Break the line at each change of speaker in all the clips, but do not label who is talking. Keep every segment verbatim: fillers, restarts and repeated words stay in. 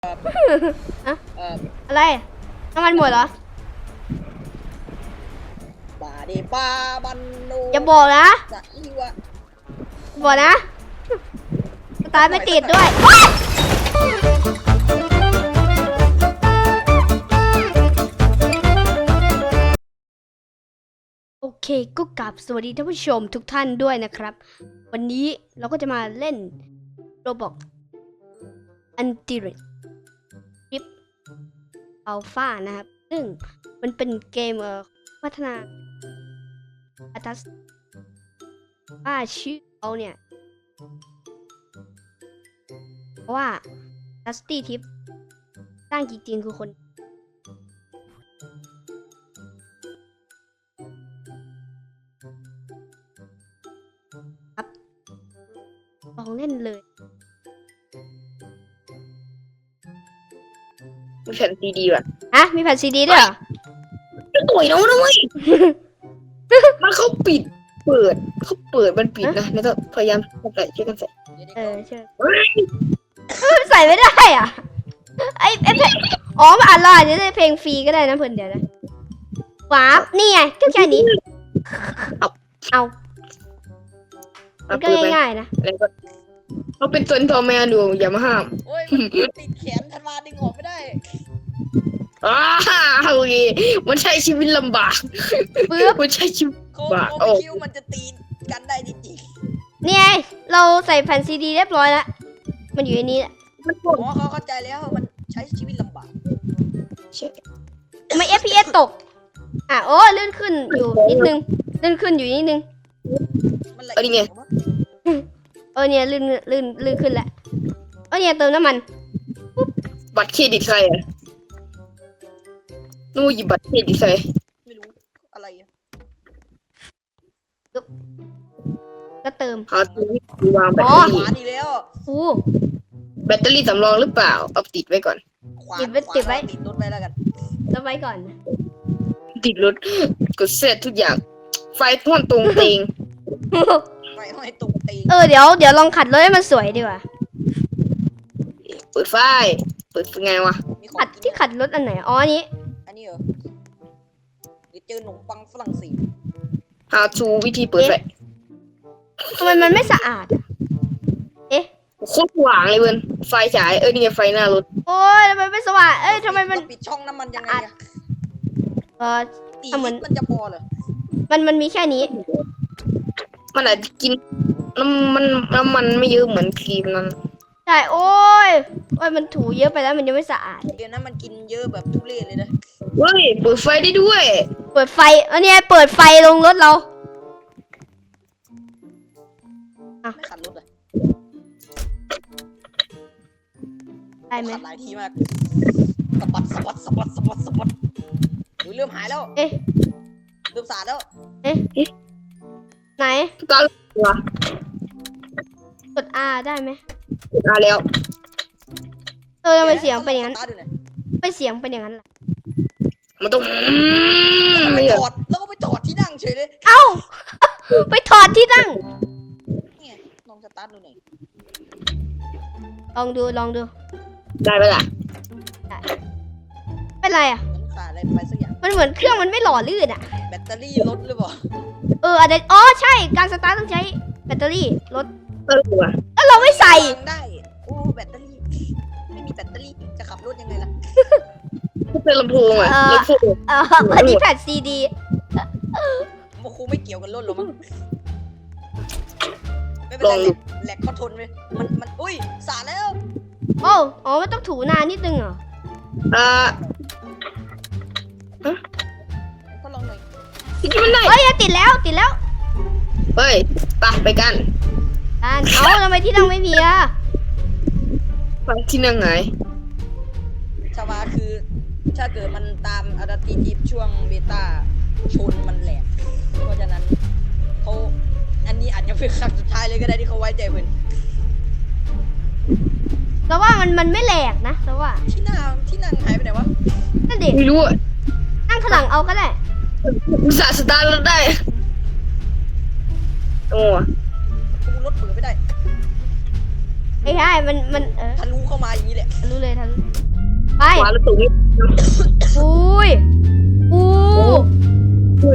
อะ
เอ่อ
อะไรน้ำมันหมดเหรอ
บาดีปาบันนู
อย่าบอกนะ
จะอีวะ
บอกนะสตาร์ทไม่ติดด้วยโอเคก็กลับสวัสดีท่านผู้ชมทุกท่านด้วยนะครับ วันนี้เราก็จะมาเล่นโรบอกอันติริริปอัลฟานะครับ ซึ่งมันเป็นเกมเอ่อพัฒนาอัตัสว่าชื่อเขาเนี่ยเพราะว่าดัสตี้ทิปสร้างจริงๆคือคนครับลองเล่นเลย
มีแผ่นซีดีว่ะ
ฮะ มีแผ่นซีดีด้วยเหรอ
จะต่อยแล้วนะเว้ย มันเขาปิด เปิด เขาเปิด มันปิดนะ แล้วก็พยายามใส่ช่วยกันใส่
เออใช่ใส่ไม่ได้อ่ะ ไอไอเพลงอ๋อมันอ่านเราอาจจะได้เพลงฟรีก็ได้นะเพื่อนเดี๋ยวนะว้าบนี่ไงก็แค่นี้
เอา
เอามันก็ง่ายๆนะ
แล้วก็เขาเป็นตัวทอแมวดูอย่ามาห้าม
โอ้ยมันติดแขนธันวาดึงออกไม่ได้
อ้าวโอเคมันใช้ชีวิตลำบาก
ปึ๊บ
มันใช้ชีวิต
โค้
บ้า
โค
โอ้
คิวมันจะตีกันได้จริง
นี่ไงเราใส่แผ่นซีดีเรียบร้อยแล้วมันอยู่ในนี้แหละ
มัน
ๆ
ปวด
อ๋อเขาเข้าใจแล้วมันใช้ชีวิตลำบาก
ทำไม เอฟ พี เอส ตกอ่ะโอ้เลื่อนขึ้นอยู่นิดนึงเลื่อนขึ้นอยู่นิดนึง
มันละเอียดกว่า
เออเนี่ยลื่นลื่นลื่นขึ้นแล้วเออเนี่ยเติมน้ำมัน
บัตรเครดิตใครอ่ะนู่นหยิบบัตรเครดิตใคร
ไม่รู้อะไรอะ
ก็เติม
หาตัวที่วางแบต
อ๋
เต
อ
อ
ข
รี่
วาดีแล้ว
อู้
แบตเตอรี่สำรองหรือเปล่า เอาติดไว้ก่อน
ขวา
ติดไว้
ขวา
ติดไว้
ติดรถไว้แล้วกัน
แล้วไว้ก่อน
ติดรถกดเสร็จทุกอย่าง ไฟท่อนตรงเตง
ไปห้อยตรงตีน
เออเดี๋ยวเดี๋ยวลองขัดรถให้มันสวยดีกว่า
เปิดไฟ เปิดไงวะ
มีของ
ขัด
กิน
ที่ขัดรถอันไหนอ๋ออันนี้
อันนี้เหรอหรือเจอขนมปังฝรั่งเศส
How to วิธีเปิดไฟ
ทำไมมันไม่สะอาดอะเอ๊ะ
โคตรสว่างเลยเว้ยไฟฉาย เอ้ยนี่ไงไฟหน้ารถ
โอ้ยทำไมไม่สว่างเอ้ยทำไมมัน
เราปิดช่องน้ำมันยังไงอะ
เออ
ตี
ทำเหมือน
ลิตรมันจะพอเหรอ
มันมันมีแค่นี้
มันอาจจะกินน้ำมันน้ำมันไม่เยอะเหมือนครีมนั้น
ใช่โอ้ยโอ้ยมันถูเยอะไปแล้วมันยังไม่สะอาด
เดี๋ยวนั้นมันกินเยอะแบบทุเรศเลยนะ
เฮ้ย เปิดไฟได้ด้วย
เปิดไฟเออเนี่ยเปิดไฟลงรถเรา
ไม่ขัดรถเลย
ได้ไหม
ขัดหลายทีมากสะบัดสะบัดสะบัดสะบัดสะบัดหรือเริ่มหายแล้ว
เอ๊ะ
เริ่มสาดแล้ว
ไหน
ตอนวะ
กด R ได้ไหม
มาแล้ว
เออทำไมเสียงเป็นอย่างนั้น
สตาร์ทดูหน่อย
ไม่เสียงเป็นอย่างนั้นล่ะ
มันต้อง
แล้วก็ไป
ไม่
จ
เหรอ
อดแล้วก็ไปจอดที่นั่งเฉยเลย
เอ้า ไปถอดที่นั่ง
นี่ไงลองสตาร์ทดูหน่อย
ลองดูลองดู
ได้ไหมล่ะ
เป็นไรอ่ะ
เหมือนขาดอะไรไปสักอย่าง
มันเหมือนเครื่องมันไม่หล่อลื่นอ่ะ
แบตเตอรี่ลดหรือเปล่า
เอออาจจะอ๋อใช่การสตาร์ทต้องใช้แบตเตอรี่รถ
เออว่ะ
แล้วเราไม่ใส่
วางได้โอ้แบตเตอรี่ไม่มีแบตเตอรี่จะขับรถยังไงล่ะ
ก็เป็นลำโพงอ่ะลำโพง
เอออันนี้แผ่นซีดี
โมคูไม่เกี่ยวกับรถหรอกมั้งไม่เป็นไรแหลกแหลกเขาทนเลยมันมันอุ้ยสาดแล้ว
โอ้อ๋อมันต้องถูนานนิดนึงเหรอ
อ่า
ก็ลองหน่อย
ที่มันได้
เฮ้ยติดแล้วติดแล้ว
เฮ้ยไปไปกัน
อ่านเอาทำไมที่นั่งไม่มีอ่ะ
ไปที่นั่งไหน
ชาวาคือ ถ้าเกิดมันตามอะดาติทีช่วงเบต้าชนมันแหลกเพราะฉะนั้นเขาอันนี้อาจจะเป็นครั้งสุดท้ายเลยก็ได้ที่เขาไว้ใจเพื่อน
แต่ว่ามันมันไม่แหลกนะแต่ว่า
ที่นั่งที่นั่งหายไปไหนวะ
นั่นเด็ก
ไม่รู้อ่ะ
นั่งข้างหลังเอาก็ได้
อุตส่าห์สตาร์ทรถได้โอ้
กูรถเปิดไม่ได้
ไอ้ใช่มันมันเออ
ทะลุเข้ามาอย่างนี้แหละ
ทะลุเลยทะลุไป
ขวาแล้วตุ่ม
อุ้ยอู้
อุ้ย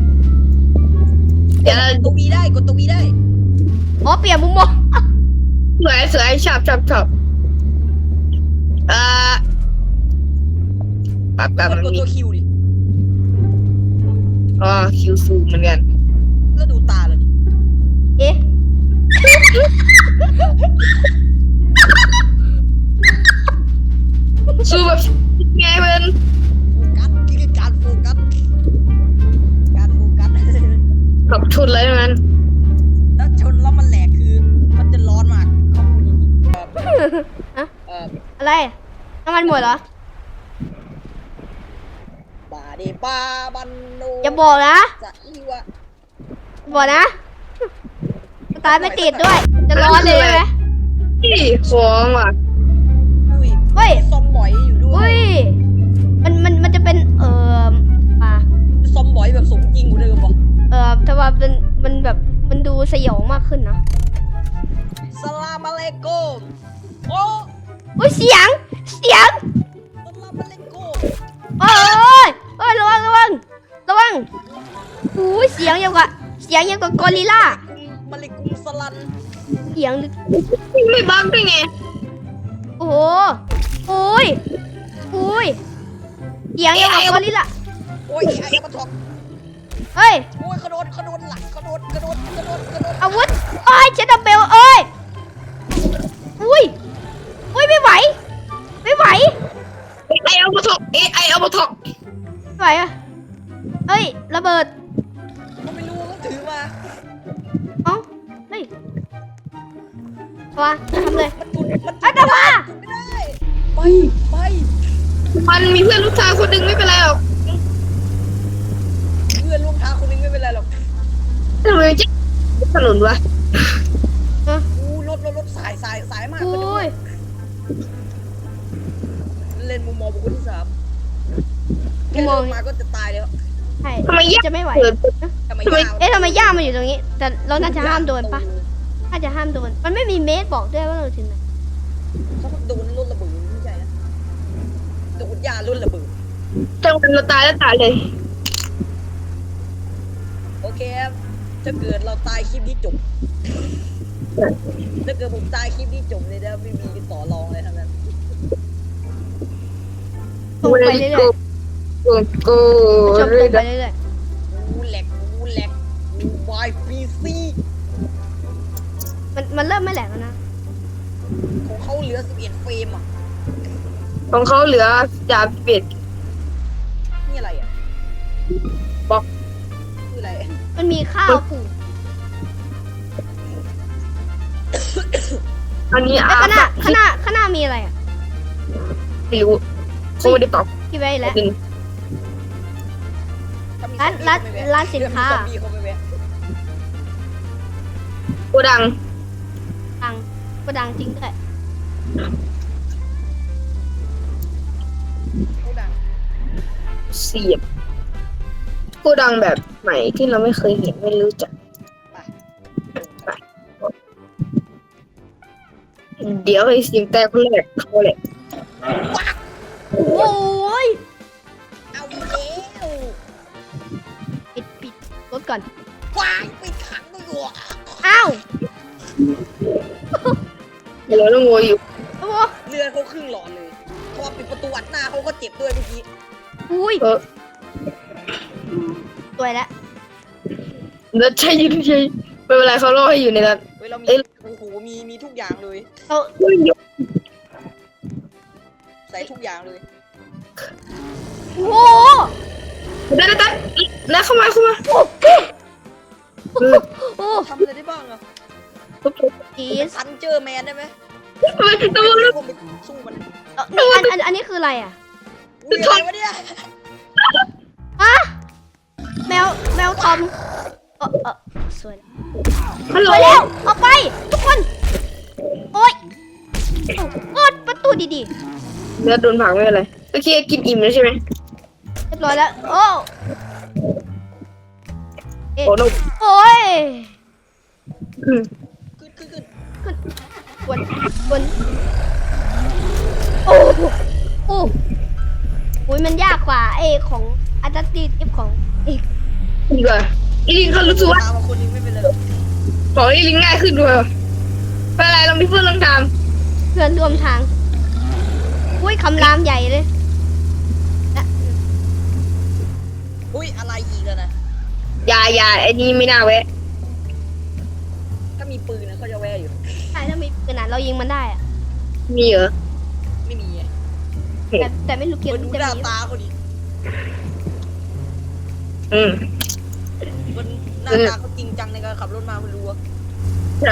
เดี๋ยว
ตัววีได้กดตัววีได้
อ๋อเปลี่ยนมุมมอง
สวยสวยชอบชอบชอบอ่าปรับกัน
กด
มัน
กด
มี
ตัวคิวดิ
อ๋อคิวซูมเหมือนกัน
แล้วดูตาเลยดิ
เอ๊ะ
ซูมแบบไงเพื่อน
โฟกัสคือการโฟกัสการโฟกัส
ขับชนอะไรนั้น
แล้วชนแล้วมันแหลกคือมันจะร้อนมากเขาพูดอย่างนี้เออ
อะ
เออ
อะไรน้ำมันหมดเหรอ
บาดีบาบันโน
อย่าบอกนะ
จะอีวะ
อย่าบอกนะสตาร์ทไม่ติดด้วย จะร้อนเลยใช่ไหม
นี่ของว่ะ
อุ้ย
เฮ้ย
ซอมบอยอยู่ด้ว
อุ้
ย
ยมันมันมันจะเป็นเอ่อป่า
ซอมบอยแบบสมจริงกว่าเดิมวะ
เอ่อแต่ว่ามันมันแบบมันดูสยองมากขึ้นนะ
สลามอะลัยกุมโอ้
อุ้ยเสียงเสียง
สลามอะลัยกุม
โอ้ยโอ้ยระวังระวังระวังอุ้ยเสียงยังกับเสียงยังกับกอริลลา
มาลิกุมสลัน
เสียงลึก
ไม่บังได้ไง
โอ้โหโอ้ยโอ้ยเสียงยังกับกอริลลา
โอ้ยไอ้มาถอก
เฮ้ย
โอ้ยกระโดดกระโดดหลังกระโดดกระโดดกระโดดกระโดด
อาวุธโอ้ยเชดดับเบลเอ้ยอุ้ยอุ้ยไม่ไหวไม่ไหว
ไอเอามาถกเอไอเอามาถก
ไม่ไหวอะเอ้ยระเบิด
เขาไม่รู้เขาถือมา
เอ้าเฮ้ยตัวทำเลย
มันจุดมัน
อ่ะแต่ว่า
จุดไม่ได้ไปไป
มันมีเพื่อนลูกชายคนหนึ่งไม่เป็นไรหรอก
เพื่อนร่วมทางคนนึงไม่เป็นไรหรอก
ทำไมจะถนนวะ
อู้รถรถรถสายสายสายมาก
อุ้ย
เล่นมุมมองบุคคลที่สามแค่
มุมมอง
เดินมาก็จะตายแล้ว
ใช่
ทำไมยาก
จะไม่ไหว
เกิด
ทำไม
ทำไม
ยาว
เอ๊ะทำไมย่ามาอยู่ตรงนี้ แต่เราน่าจะห้ามโดนปะน่าจะห้ามโดน มันไม่มีเมตรบอกด้วยว่าเราถึงไหน
เขาโดนรถระเบิดไม่ใช่นะโดนยารุ่นระเบิด
จังหวะเราตายแล้วตายเลย
โอเคครับถ้าเกิดเราตายคลิปนี้จบถ้าเกิดผมตายคลิปนี้จบเลยนะไม่มีต่อรองเลยทั้งนั้น
ตรงไปเรื่อย
โอ้โห
ๆผู้ชมตรงไปเรื่อย
กูแหลกกูแหลกกูวายพีซี
ๆมันมันเริ่มไม่แหลกแล้วนะ
ของเขาเหลือสิบเอ็ดเฟรมอ่ะ
ของเขาเหลือจ่าเป็ด
นี่อะไรอ่ะ
บล็อก
คืออะไร
มันมีข้าวปลูก
อันนี้
แล้ว
อา
ข้างหน้า
บ
ข้างหน้าข้างหน้ามีอะไรอ่ะ
ไม่รู้เขาไม่ได้ตอบ
คิดไว้แล้ว
จริง
ถ้ามี
ร้าน
ซอมบี้
ร้าน
ก็ไม่แวะ
ร้านสินค้า
เดี๋ยวมีซอมบี้เขาไม่แวะ
โกดัง
ดังก็ดังจริงด้วย
เขาดัง
เสียบโกดังแบบใหม่ที่เราไม่เคยเห็นไม่รู้จัก
ไป
เดี๋ยวไอ้เสียงแต่คนแรกเขาแหละ
โอ้ย
เอาอีกแล้ว
ปิดปิดรถก่อน
วายไปขังด้วยหัว
อ้าว
เดี๋ยวเราต้องโวยอยู่
โอ้โห
เรือเขาครึ่งหลอดเลยพอปิดประตูอัดหน้าเขาก็เจ็บด้วยเมื่อกี้
อุ้ย
เออ
สวยแล้ว
แล้วใช่ยืนใช่ไม่เป็นไรเขาล่อให้อยู่ในนั้น
เว้ยเรามี
เอ้ย
โอ้โหมีมีทุกอย่างเลย
เรา
เฮ้ย
ใส่ทุกอย่างเลย
โอ้โห
ได้ได้ได้แล้วเข้ามาเข้ามา
โอ้โหโอ้โห
ทำอะไรได้บ้างอะ
จี
เป็น
ส
ซันเจอร์แมนได้ไหม
ทำไมทำไม
พวกมันสู้มัน
เอ่อนี่อันอันอันนี้คืออะไรอ่ะ
อุ้ยอะไรวะเนี่ย
ฮะแมวแมวทอมเออเออสวยแล้ว
ฮัลโห
ส
ล
วยแล้วออกไปทุกคนโอ๊ยโอ๊ยประตูดี
เนื้อโดนผักไม่เป็นไรโอเคกินอิ่มแล้วใช่ไหม
ๆเรียบร้อยแล้วโอ้เอ๊ะ
โอ้โห
โอ้ย
อืม
ขึ้นขึ้นขึ้น
ขึ้นวนวนโอ้โหโอ้โหมันยากกว่าไอ้ของอัตติทิปของอีก
ดีกว่าอีลิงเขารู้สึกว่า
ตามมาคนนี้ไม่เป็นไรหรอก
ของอีลิงง่ายขึ้นด้วยเป็นไรลองพี่เพื่อนลองท
เพื่อนร่วมทางอุ้ยคำรามใหญ่เลยและ
อุ้ยอะไรอีกแล้วนะ
ำอย่าอย่าไอ้นี่ไม่น่าแวะ
ถ้ามีปืนนะเขาจะแวะอยู่
ใช่ถ้ามีปืนอ่ะเรายิงมันได้อะ
มีเหรอ
ไม่มีไง
แต่แต่ไม่รู้เกี่ยว
มันดู
จะ
หน้า
มี
ตาเขาดิ
อืม
มันหน้าตาเขาจริงจังในการขับรถมาไม่รู้อะ
ใช่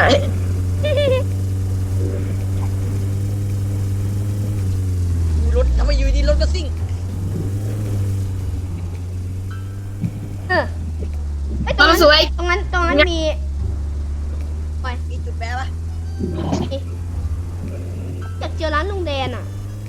ดูรถทำไมอยู่ดีรถก็ซิ่ง
เออไอ้ยต
ค
รง
วาม
นั้น
สวย
ตรงนั้นตรงนั้นมี
มีจุดแปะปะ
อยากเจอร้านลุงแดนอ่ะ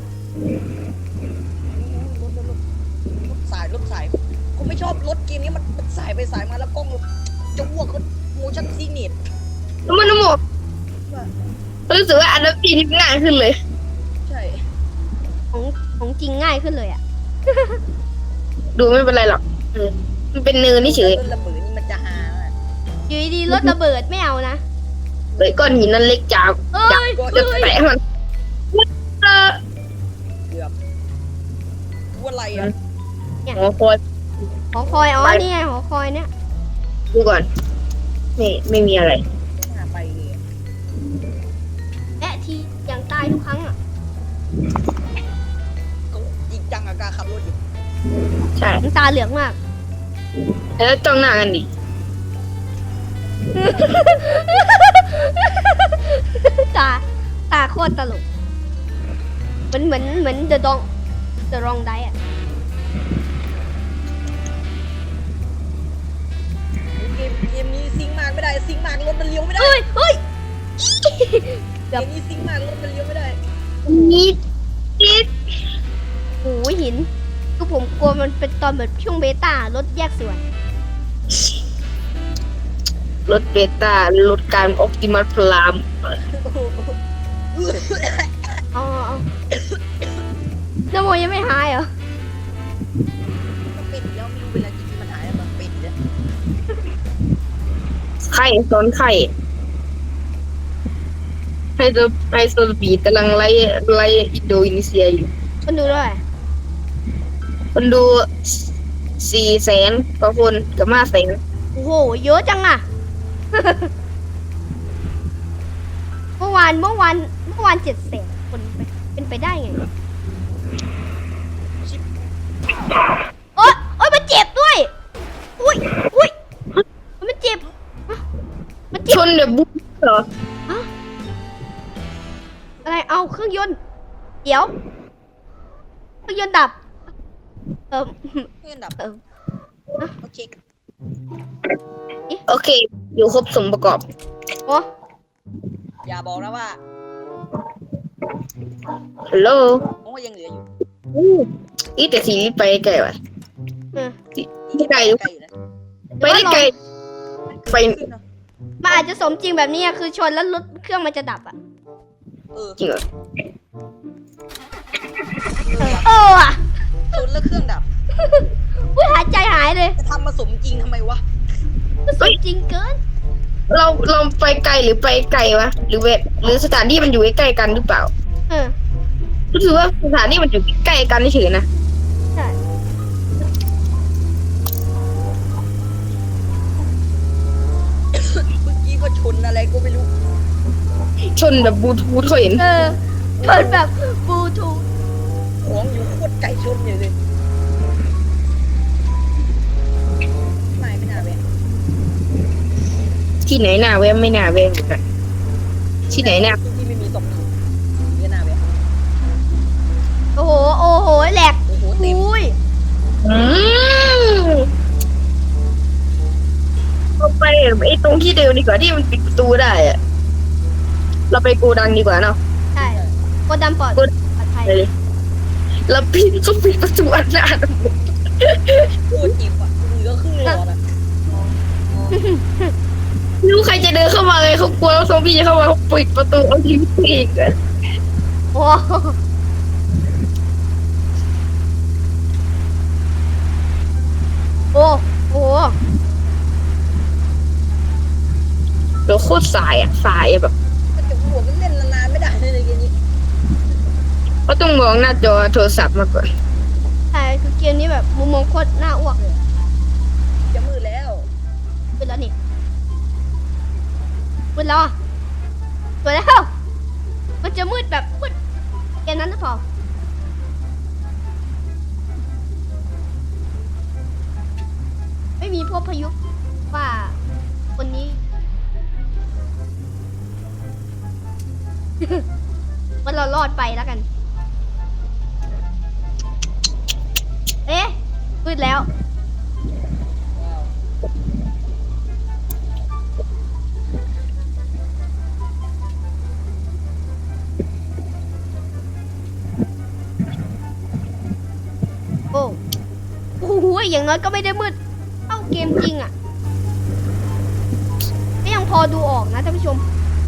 รถรถรถรถสายรถสายผมไม่ชอบรถเกมนี้มันมันสายไปสายมาแล้วกล้องจะอ้วกเขาโมชั่นซีเนต
น้ำมันน้ำหมกรู้สึกว่าอันนั้นปีนี้ง่ายขึ้นเลย
ใช่
ของของจริงง่ายขึ้นเลยอ่ะ
ดูไม่เป็นไรหรอกเออมันเป็นเนินนี่เฉย
รถระเบิดนี่มันจะหาอะ
อยู่ดีๆรถระเบิดไม่เอานะ
เลยก้อนหินนั้นเล็กจาก
เอ้ย
จะ
เอ้ย
แตะมันเออ
เกือบว่าอะไรอ่ะ
หอคอย
หอคอยอ๋อนี่ไงหอคอยเนี่ย
ดูก่อนนี่ไม่มีอะไร
หาไปเลยอะ
แอะทีอย่างตายทุกครั้งอ่ะ
เขาจริงจังกับการขับรถอยู่
ใช่
น้ำตาเหลืองมาก
แล้วจ้องหน้ากันดิ
ตาตาโคตรตลกเหมือนเหมือนเหมือนเดอะดองเดอะรองไดอ่ะ
เกมเกมนี้ซิงค์มากไม่ได้ซิงค์มากรถมันเลี้ยวไม่ได้
เฮ้ยเฮ้ย
เกมนี้ซิงค์มากรถมันเลี้ยวไม่ได้
นิดนิด
โอ้ยหินคือผมกลัวมันเป็นตอนแบบช่วงเบต้ารถแยกส่วน
รถเบต้ารถการออ t ติมัสพลาม
อ๋ออ๋อน้ำโมยังไม่หายเหรอ
มันปิดแล้วไม่รู้เวลาจริงๆมันหายแล้วมันปิดเนี่ย
ไข่ซ้อนไข่ไฮโซไฮโซสปีดกำลังไล่ไล่อินโดนีเซียอยู่
คนดูด้วย
คนดูสี่แสนกว่าคนกับห้าแสน
โอ้โหเยอะจังอะเมื่อวานเมื่อวานเมื่อวานเจ็ดแสนคนไปเป็นไปได้ไงโอ๊ยโอ๊ยมันเจ็บด้วยอุ้ยอุ้ยมันเจ็บอ่ะมันเจ็
ช
บ
นแบบบุ๊กเหรอ
อะไรเอาเครื่องยนต์เดี๋ยวเครื่องยนต์ดับเออ
เพื่อนดับ
เออ
โอเค
โอเค อยู่ครบสมประกอบ
โอ้
อย่าบอกนะว่า
ฮัลโหล
โอ้ยังเหลืออยู่
อู้อีแต่สีไปไกลว่ะ
เออ
ไม่ไกล
ไกลอยู่นะ
ไปได้ไกล ไป
ขึ้นนะ
มันอาจจะสมจริงแบบนี้อะคือชนแล้วรถเครื่องมันจะดับอ่ะ
เออ
จริงเหรอ
เออว่ะ
ชนแล้วเครื่องดับ
อุ้ยหายใจหายเลย
จะทำมาสมจริงทำไมวะ
สมจริงเกิน
เราเราไปไกลหรือไปไกลวะหรือเวหรือสถานที่มันอยู่ใกล้ๆกันหรือเปล่า
เออ
รู้สึกว่าสถานที่มันอยู่ใกล้กันเฉยๆนะ
ใช่
เมื่อกี้ก็ชนอะไรก็ไม่รู้
ชนแบบบลูทูธเขาเห็น
เออชนแบบบลูทูธ
ของอยู่โคตรไก่ชนอยู่เลยไม่ไม่น่าแวะ
ที่ไหนหน้าแวะไม่น่าแวะเหมือนกันที่ไหนหน้า
ที่ไม่มีศพอยู่เนี่ยน่าแวะ
โอ้โหโอ้โหแหลก
โอ้โหเต็ม
อุ้ย
อืมเราไปไอ้ตรงที่เดิมดีกว่าที่มันปิดประตูได้อะเราไปโกดังดีกว่าเนาะ
ใช่โกดัมปลอด
โก
ปลอดภัย
ไปเลยเราปิดก็ปิดประตูอันหน้าทั้งหมด
โคตรเจ็บอ่ะเหลือครึ่งหลอดอ่ะ
ไม่รู้ใครจะเดินเข้ามาเลยเขากลัวว่าซอมบี้จะเข้ามาเขาปิดประตูเอาทิ้งอีกอะ
โอ้โอ้โห
เดี๋ยวโคตรสายอ่ะสายอะแบบ
มันจะหัวมันเล่นนานๆไม่ได้เลยเกมนี้
ก็ต้องมองหน้าจอโทรศัพท์มาก่อน
ใช่คือเกมนี้แบบมุมมองโคตรน่าอ้วกเลย
จะมืดแล้ว
เป็นแล้วนี่มืดแล้วอ่ะมืดแล้ว มันจะมืดแบบมืดเกมนั้นหรือเปล่าไม่มีพวกพายุว่าคนนี้ มันเรารอดไปแล้วกัน เอ๊ะมืดแล้ว
ว้าว
โอ้โอ้โหอย่างน้อยก็ไม่ได้มืดเท่าเกมจริงอ่ะก็ยังพอดูออกนะท่านผู้ชม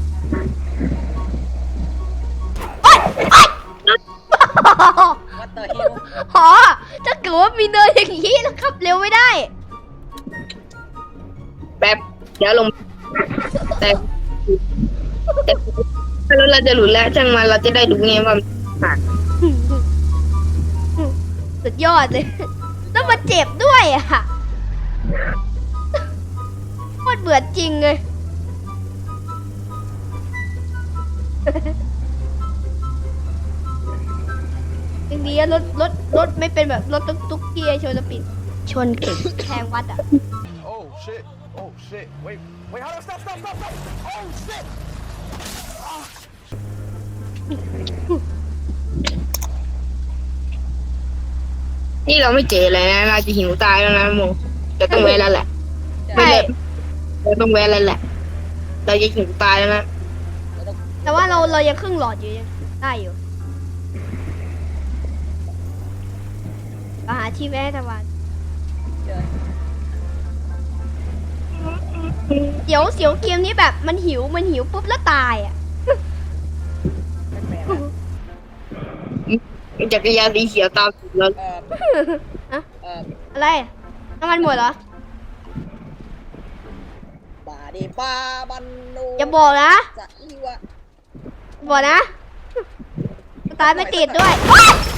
โอ๊ยโอ๊ย
วัดเตอร์เฮล
หอถ้าเกิดว่ามีเนินอย่างนี้แล้วขับเร็วไม่ได้
แป๊บเดี๋ยวลงแต่แต่ถ้ารถเราจะหลุดแล้วช่างมันเราจะได้ดูไงว่ามันผ่าน
สุดยอดเลย แล้วมาเจ็บด้วยอ่ะโคตรเบื่อจริงเลย อย่างนี้รถรถรถไม่เป็นแบบรถตุ๊กตุ๊กที่ไอชนจะปิด ชนเก่งแทงวัดอ่ะ
Oh shit. Oh shit. Wait. Wait. Hold on. Stop. Stop. Stop. Stop. Oh shit.
นี่เราไม่เจอเลยนะเราจะหิวตายแล้วนะโมจะต้องแวะแล้วแหละ
ใช่
ไม่เลยเราต้องแวะแล้วแหละเราจะหิวตายแล้วนะ
แต่ว่าเราเรายังครึ่งหลอดอยู่ยังได้อยู่มาหาที่แวะตะวัน
เดี๋ยว
เดี๋ยวเสียวเกมนี้แบบมันหิวมันหิวปุ๊บแล้วตายอ่ะ
แปลกๆนะ
จักรยานสีเขียวตามเรา
เอ่อ
อะ
เอ่อ
อะไรน้ำมันหมดเหรอ
บาดีปาบันโน
อย่าบอกนะ
จะอีวะ
บอกนะสตาร์ทไม่ติดด้วยโอ๊ย